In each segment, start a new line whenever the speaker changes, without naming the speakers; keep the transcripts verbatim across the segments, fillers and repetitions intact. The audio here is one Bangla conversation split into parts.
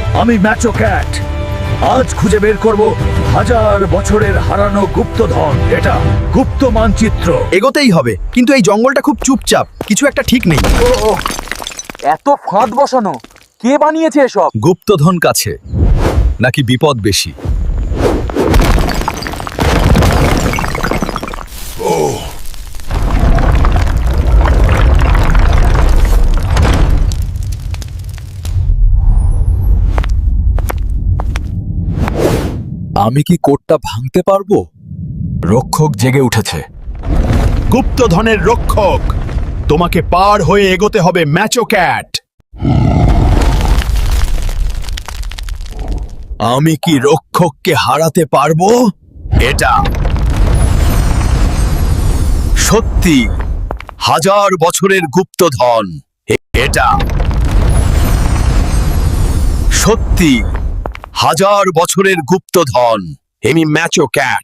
আমি ম্যাচো ক্যাট। আজ খুঁজে বের করব হাজার বছরের হারানো গুপ্তধন। এটা গুপ্ত মানচিত্র।
এগোতেই হবে, কিন্তু এই জঙ্গলটা খুব চুপচাপ, কিছু একটা ঠিক নেই।
এত ফাঁদ বসানো, কে বানিয়েছে এসব?
গুপ্তধন কাছে নাকি বিপদ বেশি? আমি কি কোটটা ভাঙতে পারবো? রক্ষক জেগে উঠেছে।
গুপ্তধনের রক্ষক, তোমাকে পার হয়ে এগোতে হবে ম্যাচো ক্যাট।
আমি কি রক্ষককে হারাতে পারবো? এটা সত্যি হাজার বছরের গুপ্তধন। এটা সত্যি হাজার বছরের গুপ্তধন। আমি ম্যাচো ক্যাট।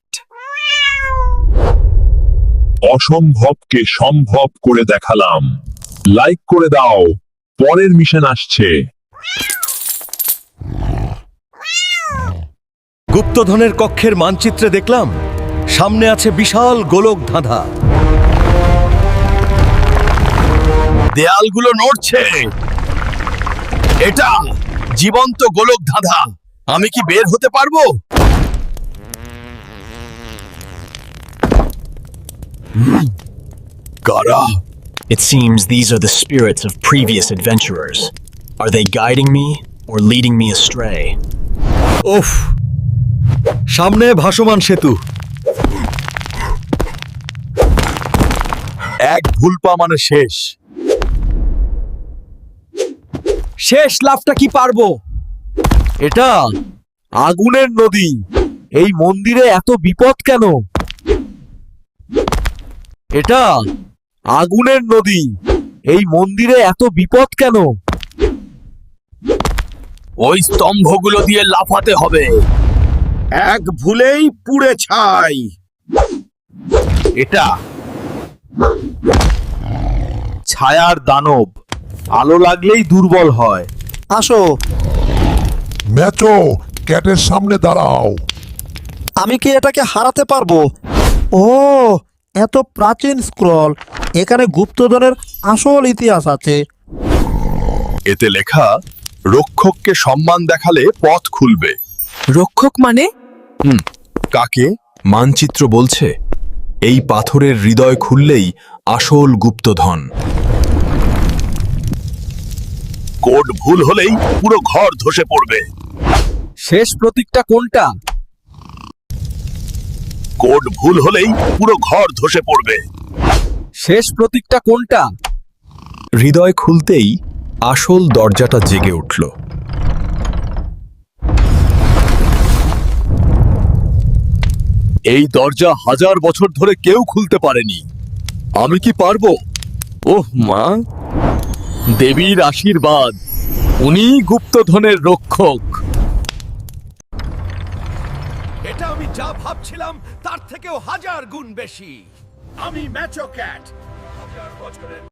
অসম্ভবকে সম্ভব করে দেখালাম। লাইক করে দাও, পরের মিশন আসছে।
গুপ্তধনের কক্ষের মানচিত্রে দেখলাম সামনে আছে বিশাল গোলক ধাঁধা। দেয়ালগুলো নড়ছে। এটা জীবন্ত গোলক ধাঁধা। আমি কি বের হতে পারবো? কারা?
It seems these are the spirits of previous adventurers. Are they guiding me or leading me astray?
উফ, সামনে ভাসমান সেতু। এক ভুল পা মানে শেষ। শেষ লাফটা কি পারবো? এটা আগুনের নদী। এই মন্দিরে এত বিপদ কেন? এটা আগুনের নদী। এই মন্দিরে এত বিপদ কেন? ওই স্তম্ভগুলো দিয়ে লাফাতে হবে।
এক ভুলেই পুড়ে ছাই।
এটা ছায়ার দানব, আলো লাগলেই দুর্বল হয়।
আসো,
ম্যাচো ক্যাটের সামনে দাঁড়াও।
আমি কি এটাকে হারাতে পারবো? ও, এত প্রাচীন স্ক্রল। এখানে গুপ্তধনের আসল ইতিহাস আছে।
এতে লেখা রক্ষককে সম্মান দেখালে পথ খুলবে।
রক্ষক মানে?
হুম, কাকে? মানচিত্র বলছে এই পাথরের হৃদয় খুললেই আসল গুপ্তধন। কোড ভুল হলেই পুরো ঘর ধসে পড়বে। শেষ প্রতীকটা কোনটা? কোড ভুল হলেই পুরো ঘর ধসে পড়বে। শেষ প্রতীকটা কোনটা? হৃদয় খুলতেই আসল দরজাটা জেগে উঠল। এই দরজা হাজার বছর ধরে কেউ খুলতে পারেনি। আমি কি পারবো? ওহ মা, দেবীর আশীর্বাদ। উনি গুপ্তধনের রক্ষক।
এটা আমি যা ভাবছিলাম তার থেকেও হাজার গুণ বেশি। আমি ম্যাচো ক্যাট। হাজার বছরের